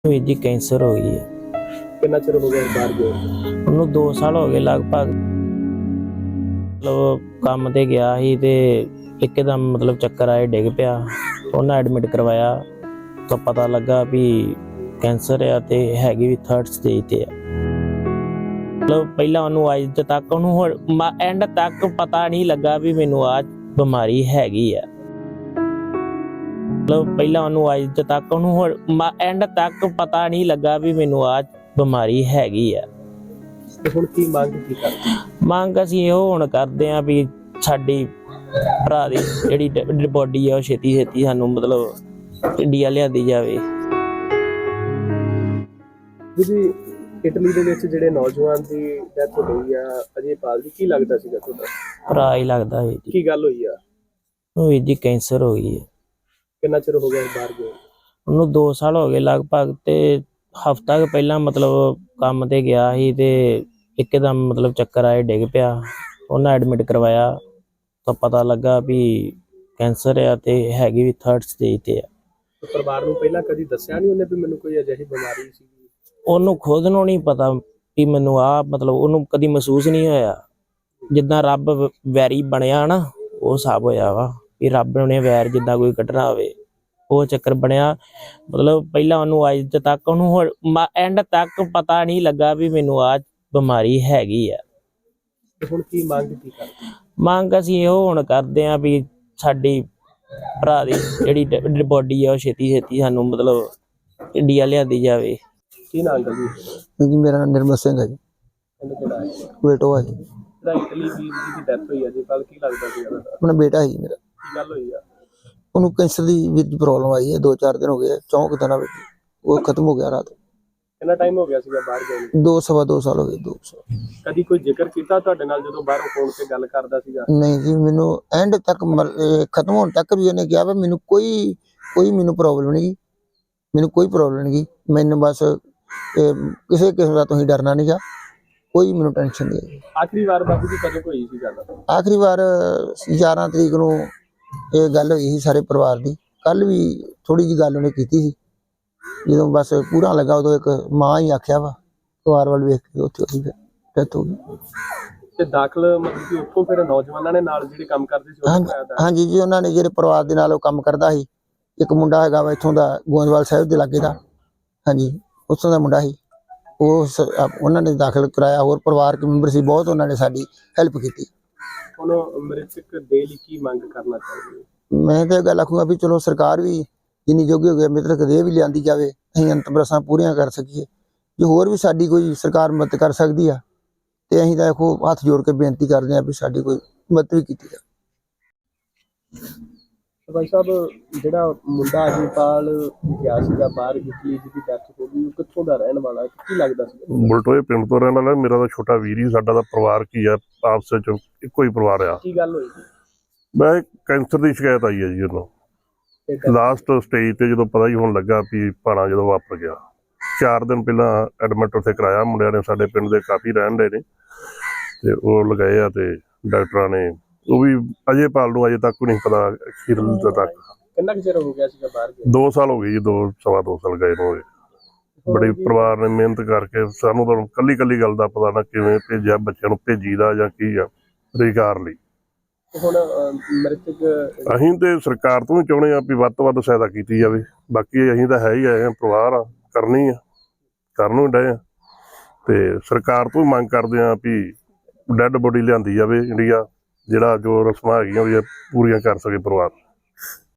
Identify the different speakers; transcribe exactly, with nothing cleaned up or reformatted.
Speaker 1: ਵੀਰ ਜੀ ਕੈਂਸਰ ਹੋ ਗਈ ਹੈ।
Speaker 2: ਕਿੰਨਾ ਚਿਰ ਹੋ ਗਿਆ ਬਾਹਰ ਗਏ?
Speaker 1: ਉਹਨੂੰ ਦੋ ਸਾਲ ਹੋ ਗਏ ਲਗਭਗ। ਮਤਲਬ ਕੰਮ ਤੇ ਗਿਆ ਸੀ ਤੇ ਇੱਕਦਮ ਮਤਲਬ ਚੱਕਰ ਆਏ, ਡਿੱਗ ਪਿਆ। ਉਹਨਾਂ ਐਡਮਿਟ ਕਰਵਾਇਆ ਤਾਂ ਪਤਾ ਲੱਗਾ ਵੀ ਕੈਂਸਰ ਆ ਤੇ ਹੈਗੀ ਵੀ ਥਰਡ ਸਟੇਜ ਤੇ ਆ। ਮਤਲਬ ਪਹਿਲਾਂ ਉਹਨੂੰ ਅੱਜ ਤੱਕ ਉਹਨੂੰ ਐਂਡ ਤੱਕ ਪਤਾ ਨਹੀਂ ਲੱਗਾ ਵੀ ਮੈਨੂੰ ਆ ਬਿਮਾਰੀ ਹੈਗੀ ਆ। ਮਤਲਬ ਪਹਿਲਾਂ ਉਹਨੂੰ ਅੱਜ ਤੱਕ ਉਹਨੂੰ ਐਂਡ ਤੱਕ ਪਤਾ ਨਹੀਂ ਲੱਗਾ ਵੀ ਮੈਨੂੰ ਆ ਬਿਮਾਰੀ ਹੈਗੀ ਆ।
Speaker 2: ਤੇ ਹੁਣ ਕੀ ਮੰਗ ਕੀ ਕਰਦੇ?
Speaker 1: ਮੰਗ ਅਸੀਂ ਇਹੋ ਹੁਣ ਕਰਦੇ ਆਂ ਵੀ ਸਾਡੀ ਭਰਾ ਦੀ ਜਿਹੜੀ ਬੋਡੀ ਆ ਉਹ ਛੇਤੀ ਛੇਤੀ ਸਾਨੂੰ ਮਤਲਬ ਇੰਡੀਆ ਲਿਆਂਦੀ ਜਾਵੇ।
Speaker 2: ਜੀ ਇਟਲੀ ਦੇ ਵਿੱਚ ਜਿਹੜੇ ਨੌਜਵਾਨ ਦੀ ਡੈਥ ਹੋਈ ਆ ਅਜੇਪਾਲ ਦੀ, ਕੀ ਲੱਗਦਾ ਸੀਗਾ ਤੁਹਾਡਾ?
Speaker 1: ਭਰਾ ਹੀ ਲੱਗਦਾ ਹੈ ਜੀ।
Speaker 2: ਕੀ ਗੱਲ ਹੋਈ ਆ?
Speaker 1: ਉਹ ਵੀਰ ਜੀ ਕੈਂਸਰ ਹੋ ਗਈ ਹੈ।
Speaker 2: ਕਿੰਨਾ ਚਿਰ ਹੋ ਗਿਆ ਬਾਹਰ ਗਏ?
Speaker 1: ਉਹਨੂੰ ਦੋ ਸਾਲ ਹੋ ਗਏ ਲਗਭਗ। ਤੇ ਹਫ਼ਤਾ ਕੁ ਪਹਿਲਾਂ ਮਤਲਬ ਕੰਮ ਤੇ ਗਿਆ ਸੀ ਤੇ ਇੱਕਦਮ ਮਤਲਬ ਚੱਕਰ ਆਏ, ਡਿੱਗ ਪਿਆ। ਉਹਨਾਂ ਐਡਮਿਟ ਕਰਵਾਇਆ ਤਾਂ ਪਤਾ ਲੱਗਾ ਵੀ ਕੈਂਸਰ ਆ ਤੇ ਹੈਗੀ ਵੀ ਥਰਡ ਸਟੇਜ ਤੇ ਆ।
Speaker 2: ਪਰਿਵਾਰ ਨੂੰ ਪਹਿਲਾਂ ਕਦੀ ਦੱਸਿਆ ਨਹੀਂ ਉਹਨੇ ਵੀ ਮੈਨੂੰ ਕੋਈ ਅਜਿਹੀ ਬਿਮਾਰੀ ਸੀ?
Speaker 1: ਉਹਨੂੰ ਖੁਦ ਨੂੰ ਨਹੀਂ ਪਤਾ ਵੀ ਮੈਨੂੰ ਆ ਮਤਲਬ ਉਹਨੂੰ ਕਦੀ ਮਹਿਸੂਸ ਨਹੀਂ ਹੋਇਆ। ਜਿੱਦਾਂ ਰੱਬ ਵੈਰੀ ਬਣਿਆ ਨਾ, ਉਹ ਹਿਸਾਬ ਹੋਇਆ ਵਾ ਵੀ ਰੱਬ ਨੇ ਵੈਰ ਜਿੱਦਾਂ ਕੋਈ ਕੱਢਣਾ ਹੋਵੇ, ਉਹ ਚੱਕਰ ਬਣਿਆ। ਮਤਲਬ ਪਹਿਲਾਂ ਉਹਨੂੰ ਅੱਜ ਤੱਕ ਉਹਨੂੰ ਐਂਡ ਤੱਕ ਪਤਾ ਨਹੀਂ ਲੱਗਾ ਵੀ ਮੈਨੂੰ ਆ ਬਿਮਾਰੀ ਹੈਗੀ ਆ।
Speaker 2: ਤੇ ਹੁਣ ਕੀ ਮੰਗ ਕੀ ਕਰਦੇ?
Speaker 1: ਮੰਗ ਅਸੀਂ ਇਹੋ ਹੁਣ ਕਰਦੇ ਆਂ ਵੀ ਸਾਡੀ ਭਰਾ ਦੀ ਜਿਹੜੀ ਬੋਡੀ ਆ ਉਹ ਛੇਤੀ ਛੇਤੀ ਸਾਨੂੰ ਮਤਲਬ ਇੰਡੀਆ ਲਿਆਂਦੀ ਜਾਵੇ।
Speaker 2: ਕੀ ਨਾਮ ਹੈ ਜੀ?
Speaker 3: ਜੀ ਮੇਰਾ ਨਾਮ ਨਿਰਮਲ ਸਿੰਘ ਹੈ ਜੀ।
Speaker 2: ਕਹਿੰਦੇ ਕਿਹੜਾ ਹੈ?
Speaker 3: ਬੇਟੋ ਹੈ ਜੀ।
Speaker 2: ਜਿਹੜਾ ਇਟਲੀ ਦੀ ਦੀ ਡੈਥ ਹੋਈ ਅਜੇਪਾਲ, ਕੀ ਲੱਗਦਾ ਸੀ ਉਹਦਾ?
Speaker 3: ਆਪਣਾ ਬੇਟਾ ਹੈ ਜੀ ਮੇਰਾ।
Speaker 2: ਕੀ ਗੱਲ ਹੋਈ ਆ?
Speaker 3: ਉਹਨੂੰ ਕੈਂਸਰ ਦੀ ਵਿੱਚ ਪ੍ਰੋਬਲਮ ਆਈ ਹੈ। ਦੋ ਚਾਰ ਦਿਨ ਹੋ ਗਏ, ਚੌਂਕ ਦਿਨਾਂ ਵਿੱਚ ਉਹ ਖਤਮ ਹੋ ਗਿਆ ਰਾਤ।
Speaker 2: ਕਿੰਨਾ ਟਾਈਮ ਹੋ ਗਿਆ ਸੀਗਾ ਬਾਹਰ ਗਏ ਨੂੰ?
Speaker 3: ਦੋ ਸਵਾ ਦੋ ਸਾਲ ਹੋ ਗਏ। ਦੋ ਸਾਲ
Speaker 2: ਕਦੀ ਕੋਈ ਜ਼ਿਕਰ ਕੀਤਾ ਤੁਹਾਡੇ ਨਾਲ ਜਦੋਂ ਬਾਹਰੋਂ ਫੋਨ ਤੇ ਗੱਲ ਕਰਦਾ ਸੀਗਾ?
Speaker 3: ਨਹੀਂ ਜੀ, ਮੈਨੂੰ ਐਂਡ ਤੱਕ ਮਰ- ਇਹ ਖਤਮ ਹੋਣ ਤੱਕ ਵੀ ਉਹਨੇ ਕਿਹਾ ਵੀ ਮੈਨੂੰ ਕੋਈ ਕੋਈ ਮੈਨੂੰ ਪ੍ਰੋਬਲਮ ਨਹੀਂ, ਮੈਨੂੰ ਕੋਈ ਪ੍ਰੋਬਲਮ ਨਹੀਂ, ਮੈਨੂੰ ਬਸ ਇਹ ਕਿਸੇ ਕਿਸਮ ਦਾ ਤੁਸੀਂ ਡਰਨਾ ਨਹੀਂ ਗਾ, ਕੋਈ ਮੈਨੂੰ ਟੈਨਸ਼ਨ ਨਹੀਂ।
Speaker 2: ਆਖਰੀ ਵਾਰ ਬਾਬੂ ਜੀ ਕਦੋਂ ਹੋਈ ਸੀ ਗੱਲ?
Speaker 3: ਆਖਰੀ ਵਾਰ ਗਿਆਰਾਂ ਤਰੀਕ ਨੂੰ ਇਹ ਗੱਲ ਹੋਈ ਸੀ ਸਾਰੇ ਪਰਿਵਾਰ ਦੀ। ਕੱਲ ਵੀ ਥੋੜੀ ਜਿਹੀ ਗੱਲ ਉਹਨੇ ਕੀਤੀ ਸੀ, ਜਦੋਂ ਬਸ ਪੂਰਾ ਲੱਗਾ ਉਦੋਂ ਇੱਕ ਮਾਂ ਹੀ ਆਖਿਆ ਵਾ ਪਰਿਵਾਰ ਵੱਲ ਵੇਖ ਕੇ ਉੱਥੇ ਉਹਦੀ ਡੈਥ ਹੋ ਗਈ।
Speaker 2: ਤੇ ਦਾਖਲ ਮਤਲਬ ਕਿ ਉੱਥੋਂ ਫਿਰ ਨੌਜਵਾਨਾਂ ਨੇ ਨਾਲ ਜਿਹੜੇ ਕੰਮ ਕਰਦੇ ਸੀ
Speaker 3: ਹਾਂਜੀ ਹਾਂਜੀ ਜੀ, ਉਹਨਾਂ ਨੇ ਜਿਹੜੇ ਪਰਿਵਾਰ ਦੇ ਨਾਲ ਉਹ ਕੰਮ ਕਰਦਾ ਸੀ। ਇੱਕ ਮੁੰਡਾ ਹੈਗਾ ਵਾ ਇੱਥੋਂ ਦਾ, ਗੋਇੰਦਵਾਲ ਸਾਹਿਬ ਦੇ ਲਾਗੇ ਦਾ, ਹਾਂਜੀ ਉੱਥੋਂ ਦਾ ਮੁੰਡਾ ਸੀ। ਉਹ ਉਹਨਾਂ ਨੇ ਦਾਖਲ ਕਰਾਇਆ। ਹੋਰ ਪਰਿਵਾਰਕ ਮੈਂਬਰ ਸੀ ਬਹੁਤ, ਉਹਨਾਂ ਨੇ ਸਾਡੀ ਹੈਲਪ ਕੀਤੀ।
Speaker 2: ਹੁਣ ਮ੍ਰਿਤਕ ਦੇ ਲਈ ਕੀ ਮੰਗ ਕਰਨਾ ਚਾਹੁੰਦੇ?
Speaker 3: ਮੈਂ ਤਾਂ ਇਹ ਗੱਲ ਆਖੂੰਗਾ ਵੀ ਚਲੋ ਸਰਕਾਰ ਵੀ ਜਿੰਨੀ ਜੋਗੀ ਹੋ ਗਈ ਮ੍ਰਿਤਕ ਦੇਹ ਵੀ ਲਿਆਂਦੀ ਜਾਵੇ, ਅਸੀਂ ਅੰਤਿਮ ਰਸਮਾਂ ਪੂਰੀਆਂ ਕਰ ਸਕੀਏ। ਜੇ ਹੋਰ ਵੀ ਸਾਡੀ ਕੋਈ ਸਰਕਾਰ ਮਦਦ ਕਰ ਸਕਦੀ ਆ ਤੇ ਅਸੀਂ ਤਾਂ ਦੇਖੋ ਹੱਥ ਜੋੜ ਕੇ ਬੇਨਤੀ ਕਰਦੇ ਹਾਂ ਵੀ ਸਾਡੀ ਕੋਈ ਮਦਦ ਵੀ ਕੀਤੀ ਜਾਵੇ।
Speaker 2: ਭਾਈ ਸਾਹਿਬ, ਜਿਹੜਾ ਮੁੰਡਾ ਅਜੇਪਾਲ ਗਿਆ ਸੀਗਾ ਬਾਹਰ ਇਟਲੀ, ਜਿਹਦੀ ਡੈਥ ਹੋ ਗਈ, ਉਹ ਕਿੱਥੋਂ ਦਾ ਰਹਿਣ ਵਾਲਾ, ਕੀ ਲੱਗਦਾ ਸੀ?
Speaker 4: ਬਲਟੋਏ ਪਿੰਡ ਤੋਂ ਰਹਿਣ ਵਾਲਾ। ਮੇਰਾ ਤਾਂ ਛੋਟਾ ਵੀਰ ਹੀ, ਸਾਡਾ ਤਾਂ ਪਰਿਵਾਰ ਕੀ ਆ, ਆਪਸ ਵਿੱਚ ਇੱਕੋ ਹੀ ਪਰਿਵਾਰ ਆ।
Speaker 2: ਕੀ ਗੱਲ ਹੋਈ ਸੀ?
Speaker 4: ਮੈਂ ਕੈਂਸਰ ਦੀ ਸ਼ਿਕਾਇਤ ਆਈ ਹੈ ਜੀ ਉਹਨੂੰ। ਲਾਸਟ ਸਟੇਜ ਤੇ ਜਦੋਂ ਪਤਾ ਹੀ ਹੋਣ ਲੱਗਾ ਵੀ ਭਾਣਾ ਜਦੋਂ ਵਾਪਰ ਗਿਆ। ਚਾਰ ਦਿਨ ਪਹਿਲਾਂ ਐਡਮਿਟ ਉੱਥੇ ਕਰਾਇਆ ਮੁੰਡਿਆਂ ਨੇ, ਸਾਡੇ ਪਿੰਡ ਦੇ ਕਾਫੀ ਰਹਿਣ ਦੇ ਨੇ, ਤੇ ਉਹ ਲਗਾਏ ਆ ਤੇ ਡਾਕਟਰਾਂ ਨੇ ਉਹ ਵੀ ਅਜੇਪਾਲ ਨੂੰ ਅਜੇ ਤੱਕ ਨਹੀਂ ਪਤਾ ਅਖੀਰ ਤੱਕ।
Speaker 2: ਕਿੰਨਾ ਕੁ ਚਿਰ ਹੋ ਗਿਆ ਸੀਗਾ ਬਾਹਰ ਗਏ?
Speaker 4: ਦੋ ਸਾਲ ਹੋ ਗਏ ਜੀ, ਦੋ ਸਵਾ ਦੋ ਸਾਲ ਗਏ ਨੂੰ ਹੋਏ। ਬੜੀ ਪਰਿਵਾਰ ਨੇ ਮਿਹਨਤ ਕਰਕੇ ਸਾਨੂੰ ਤਾਂ ਕੱਲੀ ਕੱਲੀ ਗੱਲ ਦਾ ਪਤਾ ਨਾ ਕਿਵੇਂ ਭੇਜਿਆ, ਬੱਚਿਆਂ ਨੂੰ ਭੇਜੀ ਦਾ ਜਾਂ ਕੀ ਆ ਰੁਜ਼ਗਾਰ ਲਈ।
Speaker 2: ਹੁਣ ਮ੍ਰਿਤਕ
Speaker 4: ਅਸੀਂ ਤੇ ਸਰਕਾਰ ਤੋਂ ਵੀ ਚਾਹੁੰਦੇ ਆ ਵੀ ਵੱਧ ਤੋਂ ਵੱਧ ਸਹਾਇਤਾ ਕੀਤੀ ਜਾਵੇ। ਬਾਕੀ ਅਸੀਂ ਤਾਂ ਹੈ ਹੀ ਆਏ ਆ, ਪਰਿਵਾਰ ਆ, ਕਰਨੀ ਆ, ਕਰਨ ਨੂੰ ਡਏ ਆ। ਤੇ ਸਰਕਾਰ ਤੋਂ ਵੀ ਮੰਗ ਕਰਦੇ ਆ ਵੀ ਡੈੱਡ ਬੋਡੀ ਲਿਆਂਦੀ ਜਾਵੇ ਇੰਡੀਆ, ਜਿਹੜਾ ਜੋ ਰਸਮਾਂ ਹੈਗੀਆਂ ਉਹ ਪੂਰੀਆਂ ਕਰ ਸਕੇ ਪਰਿਵਾਰ।